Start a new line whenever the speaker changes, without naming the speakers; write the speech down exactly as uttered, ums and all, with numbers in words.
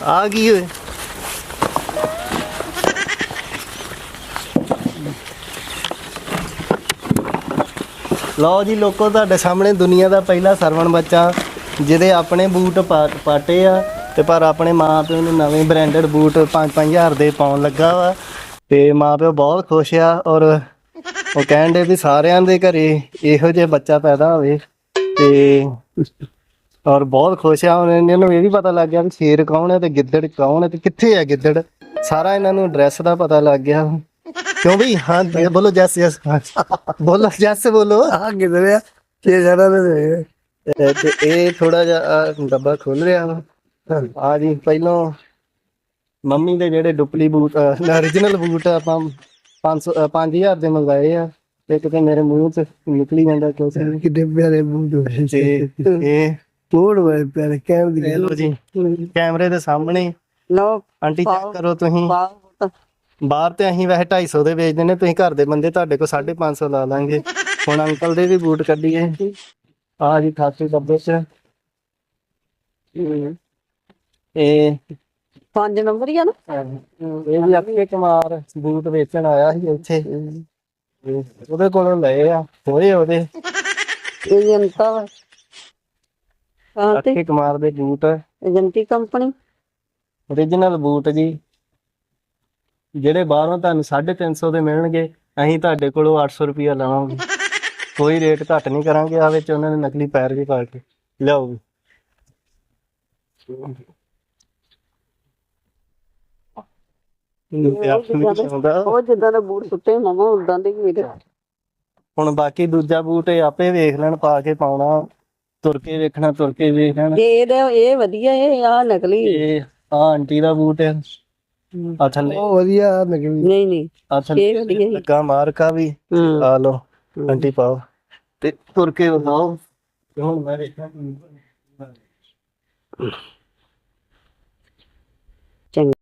ਆ ਗਈ ਓਏ। ਲਓ ਜੀ ਲੋਕੋ, ਤੁਹਾਡੇ ਸਾਹਮਣੇ ਦੁਨੀਆ ਦਾ ਪਹਿਲਾ ਸਰਵਣ ਬੱਚਾ ਜਿਹਦੇ ਆਪਣੇ ਬੂਟ ਪਾ ਪਾਟੇ ਆ ਤੇ ਪਰ ਆਪਣੇ ਮਾਂ ਪਿਓ ਨੂੰ ਨਵੇਂ ਬ੍ਰਾਂਡਡ ਬੂਟ ਪੰਜ ਪੰਜ ਹਜ਼ਾਰ ਦੇ ਪਾਉਣ ਲੱਗਾ ਵਾ ਤੇ ਮਾਂ ਪਿਓ ਬਹੁਤ ਖੁਸ਼ ਆ। ਔਰ ਉਹ ਕਹਿਣ ਦੇ ਵੀ ਸਾਰਿਆਂ ਦੇ ਘਰੇ ਇਹੋ ਜਿਹਾ ਬੱਚਾ ਪੈਦਾ ਹੋਵੇ ਤੇ ਔਰ ਬਹੁਤ ਖੁਸ਼ ਆ। ਹੁਣ ਇਹਨਾਂ ਨੂੰ ਇਹ ਵੀ ਪਤਾ ਲੱਗ ਗਿਆ ਵੀ ਸ਼ੇਰ ਕੌਣ ਹੈ ਤੇ ਗਿੱਦੜ ਕੌਣ ਹੈ ਤੇ ਕਿੱਥੇ ਹੈ ਗਿੱਦੜ। ਸਾਰਾ ਇਹਨਾਂ ਨੂੰ ਐਡਰੈਸ ਦਾ ਪਤਾ ਲੱਗ ਗਿਆ। क्यों भाई? हाँ बोलो जैस यस बोलो जैस से बोलो।
हाँ किधर है छे जरा ने
ਤੇ ਇਹ ਥੋੜਾ ਜਿਹਾ ਡੱਬਾ ਖੋਲ ਰਿਹਾ ਵਾ। ਆ ਜੀ ਪਹਿਲੋਂ ਮੰਮੀ ਦੇ ਜਿਹੜੇ ਡੁਪਲੀ ਬੂਟ ਓਰੀਜਨਲ ਬੂਟ ਆਪਾਂ ਪੰਜ ਸੌ ਪੰਜ ਹਜ਼ਾਰ ਦੇ ਮੰਗਾਏ ਆ ਤੇ ਕਿਤੇ ਮੇਰੇ ਮੂੰਹ ਚ ਨਿਕਲੀ ਜਾਂਦਾ ਕਿਉਂ ਸੀ।
कितने प्यारे बूट
ਤੇ ਇਹ
बूट बड़े प्यारे कैम दी
ਇਹ ਲੋ ਜੀ ਕੈਮਰੇ ਦੇ ਸਾਹਮਣੇ
लो
ਆਂਟੀ ਚੈੱਕ ਕਰੋ ਤੁਸੀਂ।
पाओ
ਬਾਹਰ ਤੇ ਅਸੀਂ ਵੈਸੇ ਢਾਈ ਸੌ ਦੇ ਵੇਚਦੇ ਨੇ, ਤੁਸੀਂ ਘਰ ਦੇ ਬੰਦੇ ਤੁਹਾਡੇ ਕੋਲ ਸਾਢੇ ਪੰਜ ਸੌ ਲਾ ਲਾਂਗੇ। ਹੁਣ ਅੰਕਲ ਦੇ ਵੀ ਬੂਟ ਕੱਢੀਏ। ਆ ਜੀ ਅਠਾਸੀ ਡੱਬੇ ਚ ਇਹ
पांच नंबर ही है ना
ਇਹ ਵੀ ਅਕਸ਼ੇ ਕੁਮਾਰ ਬੂਟ ਵੇਚਣ ਆਇਆ ਸੀ ਇੱਥੇ ਤੇ ਉਹਦੇ ਕੋਲੋਂ ਲਏ ਆ ਹੋਏ ਉਹਦੇ
ये जनता कहाँ थे
ਅਕਸ਼ੇ ਕੁਮਾਰ ਦੇ ਬੂਟ
एजेंटी कंपनी
ਓਰੀਜਨਲ ਬੂਟ ਜੀ, ਜਿਹੜੇ ਬਾਹਰੋਂ ਤੁਹਾਨੂੰ ਸਾਢੇ ਤਿੰਨ ਸੌ ਦੇ ਮਿਲਣਗੇ, ਅਸੀਂ ਤੁਹਾਡੇ ਕੋਲੋਂ ਅੱਠ ਸੌ ਰੁਪਇਆ ਲਵਾਂਗੇ। ਕੋਈ ਰੇਟ ਘੱਟ ਨਹੀਂ ਕਰਾਂਗੇ। ਆ ਵਿੱਚ ਉਹਨਾਂ ਨੇ ਨਕਲੀ ਪੈਰ ਵੀ ਪਾ ਕੇ ਲਿਆਓ।
ਉਹ ਜਿੱਦਾਂ ਦੇ ਬੂਟ ਸੁੱਟੇ ਮਾਮਾ ਉਦਾਂ ਦੇ ਹੀ
ਹੁਣ ਬਾਕੀ ਦੂਜਾ ਬੂਟ ਇਹ ਆਪੇ ਵੇਖ ਲੈਣ, ਪਾ ਕੇ ਪਾਉਣਾ, ਤੁਰ ਕੇ ਵੇਖਣਾ, ਤੁਰ ਕੇ ਵੇਖ ਲੈਣ।
ਇਹ ਇਹਦਾ ਇਹ ਵਧੀਆ ਇਹ ਆ ਨਕਲੀ
ਇਹ ਆ ਆਂਟੀ ਦਾ ਬੂਟ ਹੈ। ਆ ਥੱਲੇ
ਉਹ ਵਧੀਆ ਨਕਲੀ ਨਹੀਂ ਨਹੀਂ
ਆ ਥੱਲੇ ਲੱਗਾ ਮਾਰਕਾ ਵੀ ਆ ਲੋ ਆਂਟੀ ਪਾਓ ਤੇ ਤੁਰ ਕੇ ਵਿਖਾਓ। ਤੇ ਹੁਣ ਮੈਂ ਵੇਖਾਂ
ਚੰਗਾ।